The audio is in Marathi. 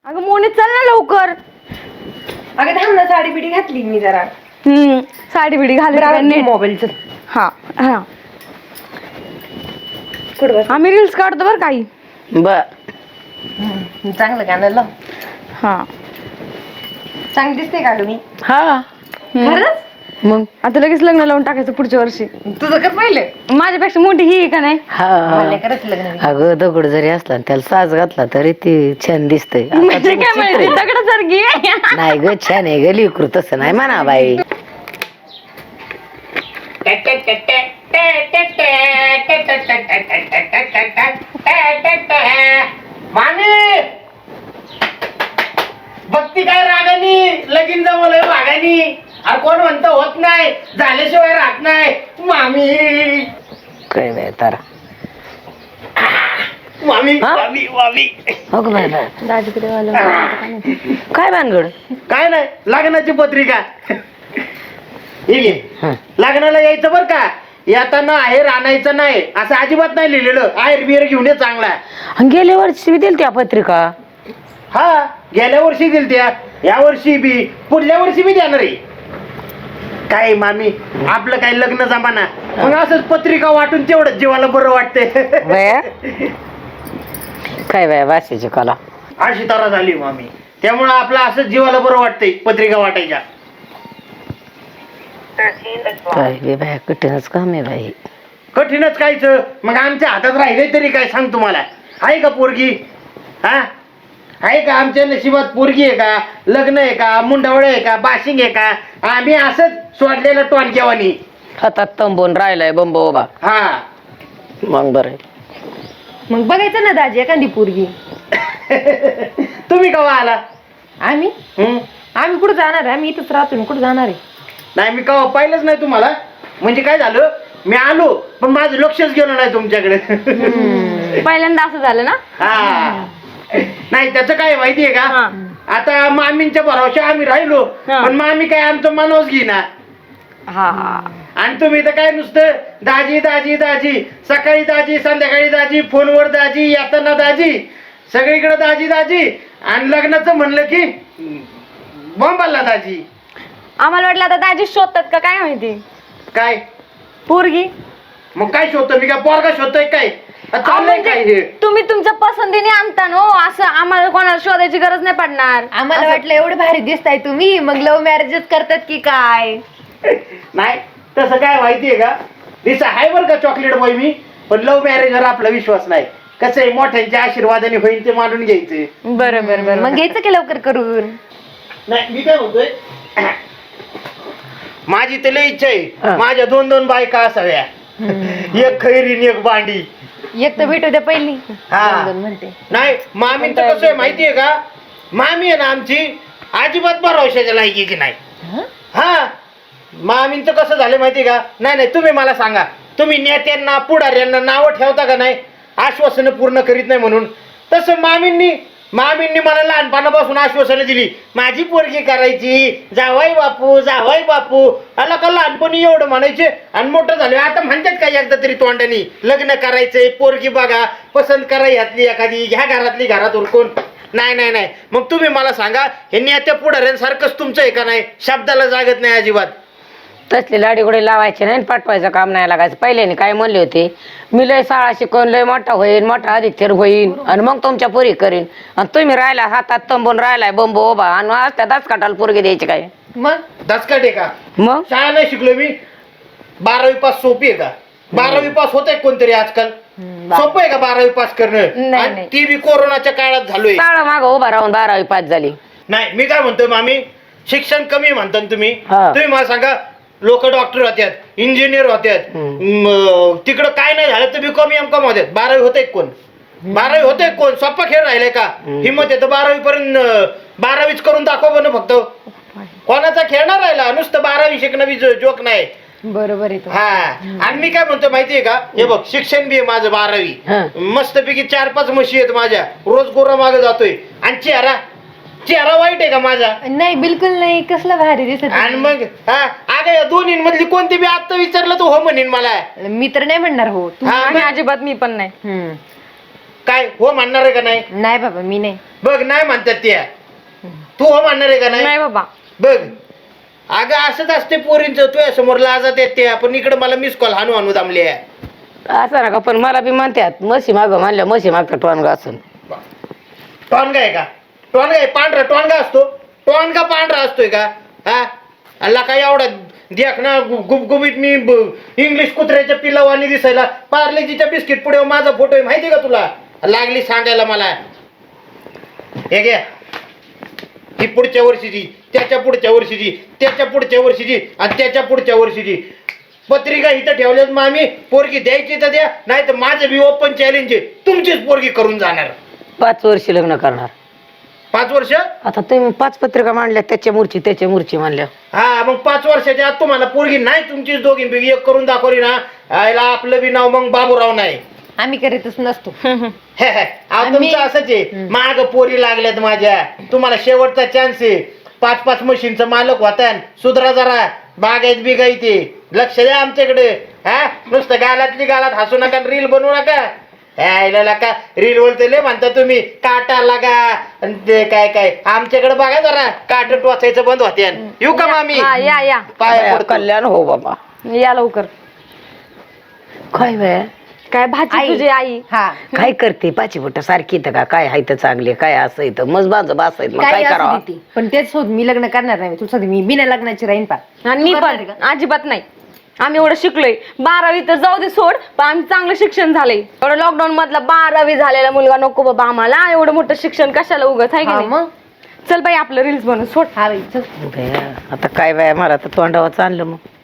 अगं मोनी चल ना लवकर. अगं थांब ना, साडी बिडी घातली मी जरा. साडी बिडी घालून मोबाईलचं. हा हा कुठं आम्ही रील्स काढतो बरं काही. बर चांगलं गाणं लाव. हा चांगली दिसते का तुम्ही? हा खरंच? मग आता लगेच लग्न लावून टाकायचं पुढच्या वर्षी. तुझं कर पाहिलं. माझ्यापेक्षा मोठी ही आहे का नाही? मला करायचं लग्न. अगं दगड जरी असला त्याला साज घातला तरी ती छान दिसते. म्हणजे काय माहिती दगडासारखी नाही ग छान आहे ग लिकरू तसं नाही म्हणा बाई. माने भक्ती काय रागानी लगीन जमवलंय वागानी. अरे कोण म्हणतं होत नाही झाल्याशिवाय राहत नाही. मामी काय बाय तारा मामी हा? मामी मामी हो ग बाय बाय दाजीकडे आलं. काय भानगड. काय नाही लग्नाची पत्रिका हे घे. हं. लग्नाला यायचं बर का. येताना आहेर आणायचं नाही असं अजिबात नाही लिहिलेलं. आहेर बिहेर घेऊन ये चांगला. आणि गेल्या वर्षी मी दिली त्या पत्रिका. हा गेल्या वर्षी दिल त्या या वर्षी बी पुढल्या वर्षी बी देणार आहे. काय मामी आपलं काय लग्न जमाना मग असंच पत्रिका वाटून तेवढं जीवाला बरं वाटतंय. बया काय बाय वाशीची कला. अशी तरा झाली मामी. त्यामुळं आपलं असंच जीवाला बरं वाटतंय पत्रिका वाटायच्या. काय बे बाय कठीणच काम आहे बाई. कठीणच कायच मग आमच्या हातात राहिले तरी काय सांग तुम्हाला. आहे का पोरगी? हा आहे का आमच्या नशिबात पोरगी आहे का? लग्न आहे का? मुंडावळ आहे का? बाशिंग आहे का? आम्ही असंच सोडलेलं टोनक्यावानी. हातात तंबून राहिलाय बंब उभा. हा मग बरं मग बघायचं ना दाजी एखादी पोरगी. तुम्ही केव्हा आला? आम्ही आम्ही कुठं जाणार आहे? आम्ही इथंच राहतो. कुठं जाणार आहे? नाही मी केव्हा पाहिलंच नाही तुम्हाला. म्हणजे काय झालं मी आलो पण माझं लक्षच गेलं नाही तुमच्याकडे. पहिल्यांदा असं झालं ना. हा नाही त्याचं काय माहितीये का. आता मामींच्या भरोशा आम्ही राहिलो पण मामी काय आमचं मनोज घेईना. हा आणि तुम्ही तर काय नुसतं दाजी दाजी दाजी. सकाळी दाजी संध्याकाळी दाजी फोनवर दाजी येताना दाजी सगळीकडे दाजी दाजी. आणि लग्नाचं म्हणलं की बॉम्बाला दाजी. आम्हाला वाटलं आता दाजी शोधतात का काय माहिती. काय पोरगी मग काय शोधतो मी काय पोरगा शोधतोय काय? चाललंय काय हे? तुम्ही तुमच्या पसंतीने आणता ना. असं आम्हाला कोणाला शोधायची गरज नाही पडणार. आम्हाला वाटलं एवढं भारी दिसताय तुम्ही मग लव्ह मॅरेजच करतात की काय. नाही तसं काय माहितीये का. दिसा आहे बरं का चॉकलेट बॉय मी. पण लव्ह मॅरेजवर आपला विश्वास नाही. कसं आहे मोठ्यांच्या आशीर्वादाने होईल ते मानून घ्यायचे. बरं बरं बरं मग घ्यायचं की लवकर करून. नाही मी काय म्हणतोय माझी तर लय इच्छा आहे हा. माझ्या 2-2 बायका असाव्या. एक खैरीन एक बांडी. एक तर भेटू द्या पहिली. हा. दोन म्हणते. नाही मामींचं कसं आहे माहितीये का. मामी आहे ना आमची अजिबात भरवशाच्या लायकीची नाही. हा मामींचं कसं झालं माहितीये का. नाही नाही तुम्ही मला सांगा तुम्ही नेत्यांना पुढाऱ्यांना नावं ठेवता का नाही आश्वासनं पूर्ण करीत नाही म्हणून. तसं मामींनी मला लहानपणापासून आश्वासनं दिली. माझी पोरगी करायची जावाई बापू आला का लहानपणी एवढं म्हणायचे आणि मोठं झालं आता म्हणतात का एकदा तरी तोंडानी लग्न करायचंय पोरगी बघा पसंत करा यातली एखादी घ्या घरातली घरात उरकून. नाही नाही नाही मग तुम्ही मला सांगा हे नेत्या पुढाऱ्यांसारखंच तुमचं आहे का नाही. शब्दाला जागत नाही अजिबात. तसली लाडीगुडी लावायची नाही पाठवायचं काम नाही लागायचं. पहिल्याने काय म्हणले होते मी लय शाळा शिकवून लय मोठा होईन मोठा अधिकतर होईन आणि मग तुमच्या पोरी करीन. आणि तुम्ही राहिला हातात तंबून राहिलाय बंब उभा आणि आज त्या दासकाटाला पोरगी द्यायची काय. मग दचकट आहे का. मग शाळा नाही शिकलो मी. 12वी पास सोपी आहे का. 12वी पास होत आहे कोणतरी आजकाल. सोपं आहे का 12वी पास करणं. नाही, आणि ती बी कोरोनाच्या काळात झालोय. शाळा माग उभा राहून 12वी पास झाली. नाही मी काय म्हणतोय मामी शिक्षण कमी म्हणता ना तुम्ही. हा. तुम्ही मला सांगा लोक डॉक्टर होत्यात इंजिनियर होत्यात तिकडं काय नाही झालं तर BCom MCom होत्यात. 12वी होते कोण. 12वी होते कोण. सोपा खेळ राहिलाय का. हिंमत येतं 12वी पर्यंत 12वीच करून दाखव बन फक्त. कोणाचा खेळणार राहिला नुसतं 12वी शिकणं बी जोक नाही. बरोबर आहे. हा आणि मी काय म्हणतो माहितीये का हे बघ शिक्षण बी आहे माझं 12वी. मस्तपैकी 4-5 म्हशी आहेत माझ्या. रोज गोरा मागे जातोय आणि चेहरा वाईट आहे का माझा. नाही बिलकुल नाही. कसला भारी दिसत. आणि मग हा अगं या दोन्ही मधली कोणती बी आता विचारलं तर हो म्हणेन मला. मी तर नाही म्हणणार हो. हा, आणि अजिबात मी पण नाही. काय हो म्हणणार आहे का नाही? नाही बाबा मी नाही. बघ नाही म्हणतात त्या. तू हो म्हणणार आहे का नाही? नाही बाबा. बघ अगं असंच असते पोरींचं, तुझ्या समोर लाजात येते पण इकडे मला मिस कॉल हानू हानू दामले. असं नका, पण मला बी म्हणतात म्हशी माग म्हणल्या म्हशी मागचा टोनगा असून. टॉनगा आहे का? टॉनगा आहे पांढरा टॉनगा असतो? टॉनगा पांढरा असतोय का? हा अल्ला काय एवढा देख ना गुबगुबीत मी इंग्लिश कुत्र्याच्या पिलावानी दिसायला. पार्लेजीच्या बिस्किट पुढे माझा फोटो आहे माहिती का तुला? लागली सांगायला मला. हे घ्या ही पुढच्या वर्षीची, त्याच्या पुढच्या वर्षीची, त्याच्या पुढच्या वर्षीची आणि त्याच्या पुढच्या वर्षीची पत्रिका इथं ठेवल्यात. मग आम्ही पोरगी द्यायची तर द्या, नाही तर माझं बी ओपन चॅलेंज आहे, तुमचीच पोरगी करून जाणार. 5 वर्ष लग्न करणार. 5 वर्ष? आता तुम्ही 5 पत्रिका मांडल्या, त्याच्या मूर्ची मांडल्या. हा मग 5 वर्षाच्या आत तुम्हाला पोरगी नाही तुमचीच दोघींपैकी एक करून दाखवली ना, आयला आपलं बी नाव मग बाबूराव नाही. आम्ही करीतच नसतो. तुमचं असंच आहे. माग पोरी लागल्यात माझ्या, तुम्हाला शेवटचा चान्स आहे. 5-5 मशीनचं मालक होता, सुधरा जरा, बागायत बिगायते, लक्ष द्या आमच्याकडे. हा नुसतं गालातली गालात हसू नका, रील बनवू नका. का रील बोलते लय म्हणता तुम्ही, काटा लागा आणि ते काय काय. आमच्याकडे बघा जरा, काट टोचायचं बंद होते. येऊ का मामी? हा, या या पाया पडतो. कल्याण हो बाबा. या लवकर. काय बाय काय भाजी आई. तुझी आई? हा काय करते पाची बोट सारखी तर का काय हाय तर चांगले काय असं इथं मज बाज बासायत मग काय काय असू करावं. दे ती. पण तेच होत मी लग्न करणार नाही. तुला सांगते मी बिना लग्नाची राहीन पा. आणि मी तू करणार पण आहे अजिबात नाही. आम्ही एवढं शिकलोय, 12वी तर जाऊ दे सोड, पण आम्ही चांगलं शिक्षण झालंय. एवढं लॉकडाऊन मधला 12वी झालेला मुलगा नको बाबा आम्हाला. एवढं मोठं शिक्षण कशाला उगाच आहे की हा, नाही? मग चल बाई आपलं रील्स बनव सोड. हा बाई चल. आता काय बाय मला तर तोंडावर चाललं मग.